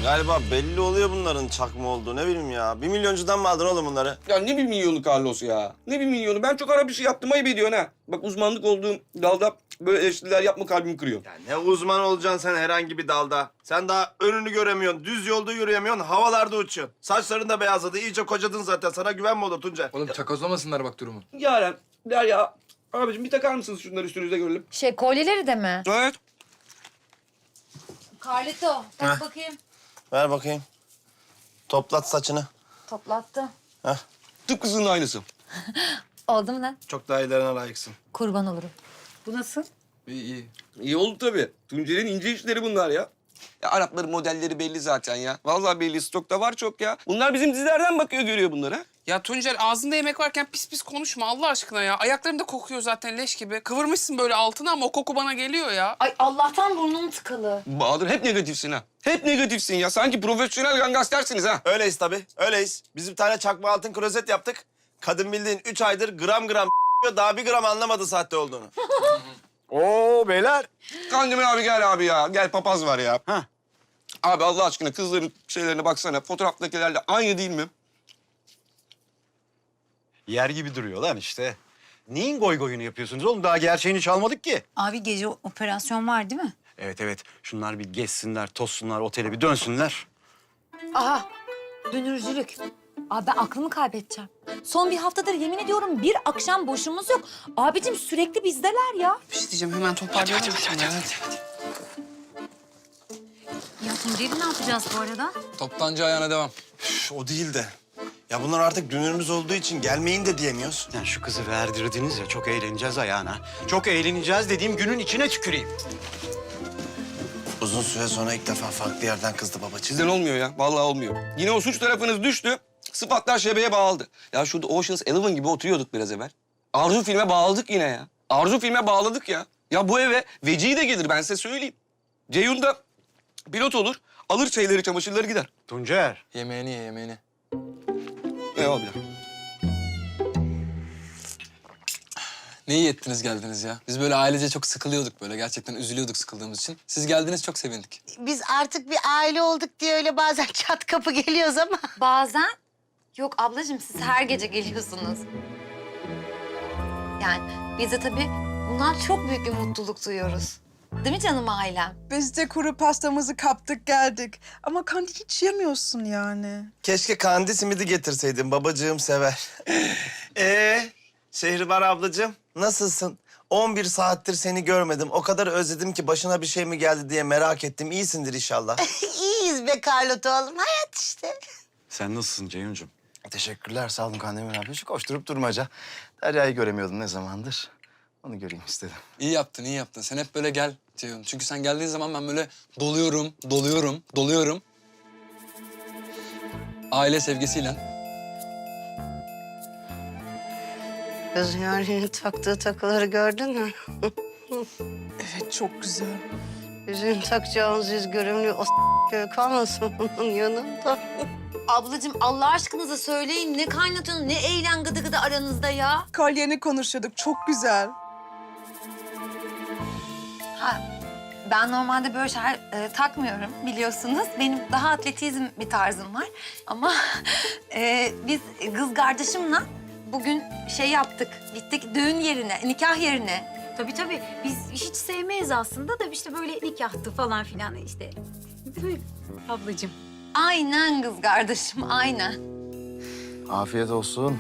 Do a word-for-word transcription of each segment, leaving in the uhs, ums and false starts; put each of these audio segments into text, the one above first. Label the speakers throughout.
Speaker 1: Galiba belli oluyor bunların çakma olduğu. Ne bileyim ya. Bir milyoncudan mı aldın oğlum bunları?
Speaker 2: Ya ne bir milyonu Carlos ya? Ne bir milyonu? Ben çok ara bir şey yaptım, ayıp ediyorsun ha. Bak uzmanlık olduğum dalda böyle eleştiriler yapma, kalbimi kırıyor.
Speaker 1: Ya ne uzman olacaksın sen herhangi bir dalda. Sen daha önünü göremiyorsun, düz yolda yürüyemiyorsun, havalarda uçuyorsun. Saçların da beyazladı, iyice kocadın zaten. Sana güvenme olur Tuncer.
Speaker 3: Oğlum çakozlamasınlar bak durumu.
Speaker 2: Yaren, Derya, abicim bir takar mısınız şunları üstünüze görelim?
Speaker 4: Şey kolyeleri de mi?
Speaker 2: Evet.
Speaker 4: Carlito tak
Speaker 1: Heh.
Speaker 4: bakayım.
Speaker 1: Ver bakayım. Toplat saçını.
Speaker 4: Toplattı.
Speaker 1: Heh.
Speaker 2: Tıpkısının aynısı.
Speaker 4: Oldu mu lan?
Speaker 1: Çok daha iyilerine layıksın.
Speaker 4: Kurban olurum. Bu nasıl?
Speaker 3: İyi iyi.
Speaker 2: İyi oldu tabii. Tuncer'in ince işleri bunlar ya. Ya Arapların modelleri belli zaten ya. Vallahi belli, stokta var çok ya. Bunlar bizim dizilerden bakıyor, görüyor bunları.
Speaker 5: Ya Tuncer ağzında yemek varken pis pis konuşma Allah aşkına ya. Ayaklarım da kokuyor zaten leş gibi. Kıvırmışsın böyle altına ama o koku bana geliyor ya.
Speaker 4: Ay Allah'tan burnum tıkalı.
Speaker 2: Bahadır hep negatifsin ha. Hep negatifsin ya. Sanki profesyonel gangstersiniz ha.
Speaker 1: Öyleyiz tabii, öyleyiz. Biz bir tane çakma altın klozet yaptık. Kadın bildiğin üç aydır gram gram daha bir gram anlamadı sahte olduğunu.
Speaker 6: Oo beyler.
Speaker 2: Kandemir abi gel abi ya. Gel papaz var ya.
Speaker 6: Hah.
Speaker 2: Abi Allah aşkına kızların şeylerine baksana. Fotoğraftakilerle aynı değil mi?
Speaker 6: Yer gibi duruyor lan işte. Neyin goy goyunu yapıyorsunuz oğlum? Daha gerçeğini çalmadık ki.
Speaker 7: Abi gece operasyon var değil mi?
Speaker 6: Evet evet. Şunlar bir gezsinler, tozsunlar, otele bir dönsünler.
Speaker 4: Aha dönürcülük. Abi ben aklımı kaybedeceğim. Son bir haftadır yemin ediyorum bir akşam boşumuz yok. Abicim sürekli bizdeler ya.
Speaker 5: Bir şey diyeceğim hemen toparlayalım. Hadi, hadi, hadi,
Speaker 7: Ya Tuncer'i ne yapacağız bu arada?
Speaker 3: Toptancı ayağına devam.
Speaker 1: Üf, o değil de. Ya bunlar artık dünürümüz olduğu için gelmeyin de diyemiyoruz.
Speaker 6: Yani şu kızı verdirdiniz ya, çok eğleneceğiz ayağına. Çok eğleneceğiz dediğim günün içine tüküreyim.
Speaker 1: Uzun süre sonra ilk defa farklı yerden kızdı babacığım.
Speaker 2: Sizden olmuyor ya. Vallahi olmuyor. Yine o suç tarafınız düştü. Sıfatlar şebeye bağladı. Ya şurada Ocean's Eleven gibi oturuyorduk biraz evvel. Arzu filme bağladık yine ya. Arzu filme bağladık ya. Ya bu eve Vecihi de gelir ben size söyleyeyim. Ceyhun da pilot olur. Alır şeyleri, çamaşırları gider.
Speaker 6: Tuncer.
Speaker 3: Yemeğini ye yemeğini.
Speaker 2: Eyvallah.
Speaker 3: Ne iyi ettiniz geldiniz ya. Biz böyle ailece çok sıkılıyorduk böyle. Gerçekten üzülüyorduk sıkıldığımız için. Siz geldiniz çok sevindik.
Speaker 8: Biz artık bir aile olduk diye öyle bazen çat kapı geliyoruz ama.
Speaker 4: Bazen. Yok ablacığım siz her gece geliyorsunuz. Yani biz de tabii bundan çok büyük bir mutluluk duyuyoruz. Değil mi canım ailem?
Speaker 9: Biz de kuru pastamızı kaptık geldik. Ama kandi hiç yemiyorsun yani.
Speaker 1: Keşke kandi simidi getirseydin, babacığım sever. Ee, Şehribar ablacığım, nasılsın? on bir saattir seni görmedim. O kadar özledim ki başına bir şey mi geldi diye merak ettim. İyisindir inşallah.
Speaker 8: İyiyiz be Carlota oğlum, hayat işte.
Speaker 6: Sen nasılsın Ceyhuncuğum?
Speaker 1: Teşekkürler, sağ olun Kandemir abi. Şu koşturup durmaca. Derya'yı göremiyordum ne zamandır. Onu göreyim istedim.
Speaker 3: İyi yaptın, iyi yaptın. Sen hep böyle gel Ceyhun. Çünkü sen geldiğin zaman ben böyle doluyorum, doluyorum, doluyorum. Aile sevgisiyle.
Speaker 8: Kız yani taktığı takıları gördün mü?
Speaker 9: Evet çok güzel.
Speaker 8: Yüzüğün takacağınız yüz görümlü o s*** kalmasın onun yanında.
Speaker 4: Ablacığım Allah aşkınıza söyleyin ne kaynatıyorsunuz ne eğlen gıdı gıdı aranızda ya.
Speaker 9: Kolyeni konuşuyorduk çok güzel.
Speaker 4: Ha, ben normalde böyle şeyler e, takmıyorum biliyorsunuz. Benim daha atletizm bir tarzım var. Ama e, biz kız kardeşimle bugün şey yaptık. Gittik düğün yerine, nikah yerine.
Speaker 7: Tabii tabii. Biz hiç sevmeyiz aslında da işte böyle nikahtı falan filan işte. Değil mi ablacığım?
Speaker 4: Aynen kız kardeşim, aynen.
Speaker 1: Afiyet olsun.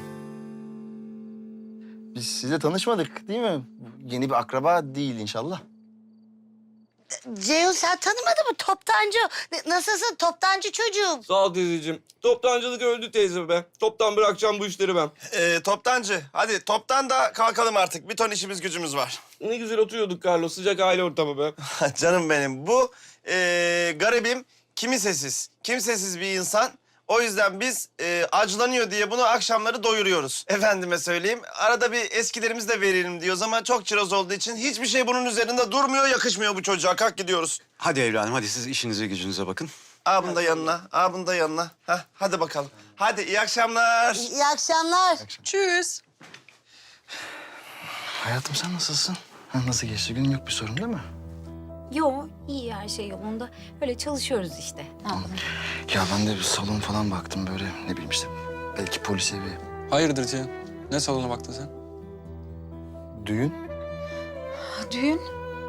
Speaker 1: Biz sizle tanışmadık değil mi? Yeni bir akraba değil inşallah.
Speaker 8: Ceyhun sen tanımadın mı? Toptancı. Ne- Nasılsın toptancı çocuğum?
Speaker 2: Sağ ol teyzeciğim. Toptancılık öldü teyze be. Toptan bırakacağım bu işleri ben.
Speaker 1: Ee, toptancı, hadi toptan da kalkalım artık. Bir ton işimiz gücümüz var.
Speaker 2: Ne güzel oturuyorduk Carlos. Sıcak aile ortamı be.
Speaker 1: Canım benim, bu ee, garibim kimsesiz, kimsesiz bir insan. O yüzden biz e, acılanıyor diye bunu akşamları doyuruyoruz. Efendime söyleyeyim. Arada bir eskilerimiz de verelim diyoruz ama çok çiroz olduğu için hiçbir şey bunun üzerinde durmuyor, yakışmıyor bu çocuğa. Kalk gidiyoruz.
Speaker 6: Hadi evladım, hadi siz işinize gücünüze bakın.
Speaker 1: Aa bunu da yanına, aa bunu da yanına. Hah, hadi bakalım. Hadi iyi akşamlar.
Speaker 8: İyi akşamlar.
Speaker 9: Tschüss.
Speaker 1: Hayatım sen nasılsın? Ha, nasıl geçti? Günün yok bir sorun değil mi?
Speaker 7: Yo, iyi her şey yolunda. Öyle çalışıyoruz işte. Ne yapalım?
Speaker 2: Ya ben de bir salon falan baktım böyle ne bileyim işte. Belki polis evi.
Speaker 3: Hayırdır Cihan? Ne salona baktın sen?
Speaker 2: Düğün.
Speaker 7: Düğün?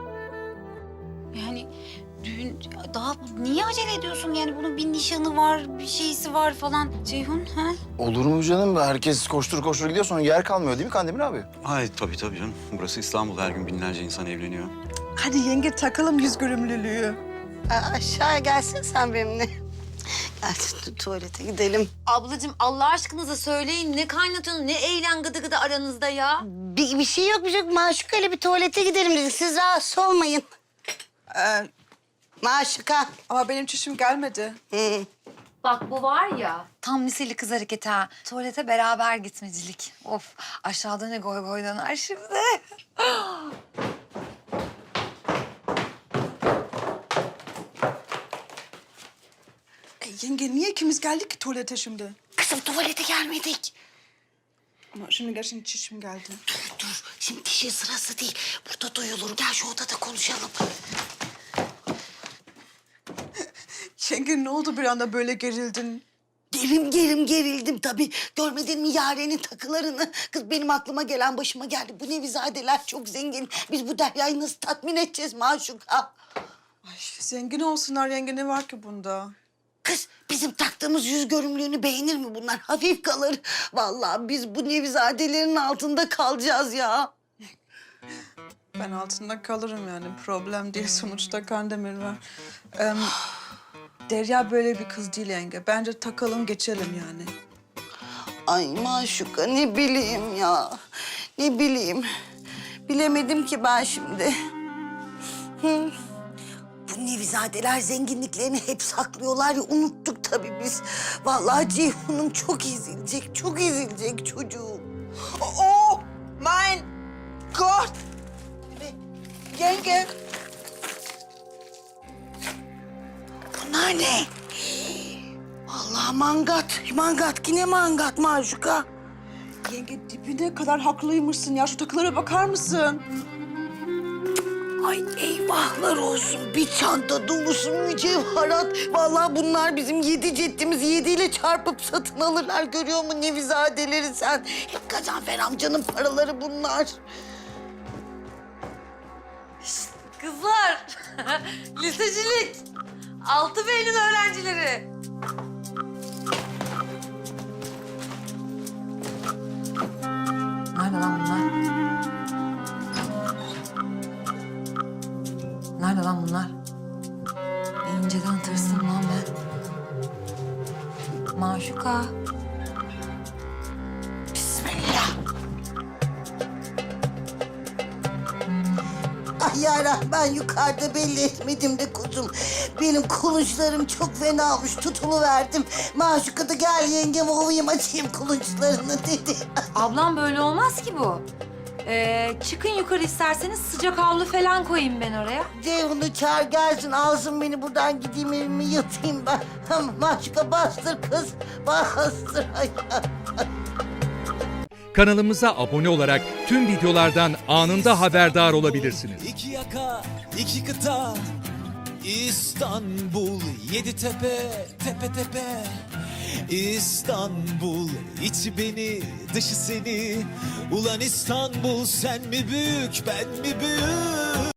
Speaker 7: Yani düğün daha niye acele ediyorsun? Yani bunun bir nişanı var, bir şeysi var falan. Ceyhun ha?
Speaker 2: Olur mu canım? Herkes koştur koştur gidiyor sonra yer kalmıyor değil mi Kandemir abi?
Speaker 6: Ay tabii tabii canım. Burası İstanbul. Her gün binlerce insan evleniyor.
Speaker 9: Hadi yenge takalım yüz görümlülüğü.
Speaker 8: Aa, aşağıya gelsin sen benimle. Gel tu- tuvalete gidelim.
Speaker 4: Ablacığım Allah aşkınıza söyleyin ne kaynatıyorsunuz ne eğlen gıdı gıdı aranızda ya.
Speaker 8: Bir, bir şey yok bir şey yok. Maşuka ile bir tuvalete gidelim dedik. Siz rahatsız olmayın.
Speaker 9: Ee,
Speaker 8: Maşuka.
Speaker 9: ama benim çişim gelmedi.
Speaker 8: Hı.
Speaker 4: Bak bu var ya tam liseli kız hareketi ha. Tuvalete beraber gitmecilik. Of aşağıda ne goy goy döner şimdi.
Speaker 9: E, yenge niye ikimiz geldik ki tuvalete şimdi?
Speaker 8: Kızım tuvalete gelmedik.
Speaker 9: Ama şimdi gerçekten çişim geldi.
Speaker 8: Dur dur. Şimdi dişin sırası değil. Burada duyulur. Gel şu odada konuşalım.
Speaker 9: Yenge ne oldu bir anda böyle gerildin?
Speaker 8: Gerim gerim gerildim tabii. Görmedin mi Yaren'in takılarını? Kız benim aklıma gelen başıma geldi. Bu Nevizadeler çok zengin. Biz bu Derya'yı nasıl tatmin edeceğiz Maşuka?
Speaker 9: Ay zengin olsunlar yenge ne var ki bunda?
Speaker 8: Kız bizim taktığımız yüz görümlüğünü beğenir mi bunlar? Hafif kalır. Vallahi biz bu Nevizadelerin altında kalacağız ya.
Speaker 9: Ben altında kalırım yani problem değil sonuçta Kandemir var. Ee, Derya böyle bir kız değil yenge. Bence takalım geçelim yani.
Speaker 8: Ay Maşuka ne bileyim ya. Ne bileyim. Bilemedim ki ben şimdi. Hı. Bu Nevizadeler zenginliklerini hep saklıyorlar ya unuttuk tabii biz. Vallahi Ceyhun'um çok ezilecek, çok ezilecek çocuğum.
Speaker 9: Oh mein Gott! Yenge!
Speaker 8: Bunlar ne? Vallahi mangat, mangat yine mangat Maşuka.
Speaker 9: Yenge dibine kadar haklıymışsın ya. Şu takılara bakar mısın?
Speaker 8: Ay eyvahlar olsun. Bir çanta dolusu mücevherat. Vallahi bunlar bizim yedi ceddimizi yediyle çarpıp satın alırlar. Görüyor musun Nevizadeleri sen? Hep Gazanfer amcanın paraları bunlar.
Speaker 4: Kızlar lisecilik altı Beylül öğrencileri. Nerede lan bunlar? Nerede lan bunlar? İnceden tırsdım lan ben. Maşuka.
Speaker 8: Bismillah. Ay yara ben yukarıda belli etmedim de kuzum. Benim kulunçlarım çok fena olmuş tutuluverdim. Maşuka da gel yengem ovayım açayım kulunçlarını dedi.
Speaker 4: Ablam böyle olmaz ki bu. Ee, çıkın yukarı isterseniz sıcak havlu falan koyayım ben oraya.
Speaker 8: Ceyhun'u çağır gelsin alsın beni buradan gideyim evime yatayım ben. Maşuka bastır kız bastır. Ay.
Speaker 10: Kanalımıza abone olarak tüm videolardan anında haberdar olabilirsiniz.
Speaker 11: İki yaka, iki kıta, İstanbul, yedi tepe, tepe tepe. İstanbul, içi beni, dışı seni. Ulan İstanbul, sen mi büyük, ben mi büyük?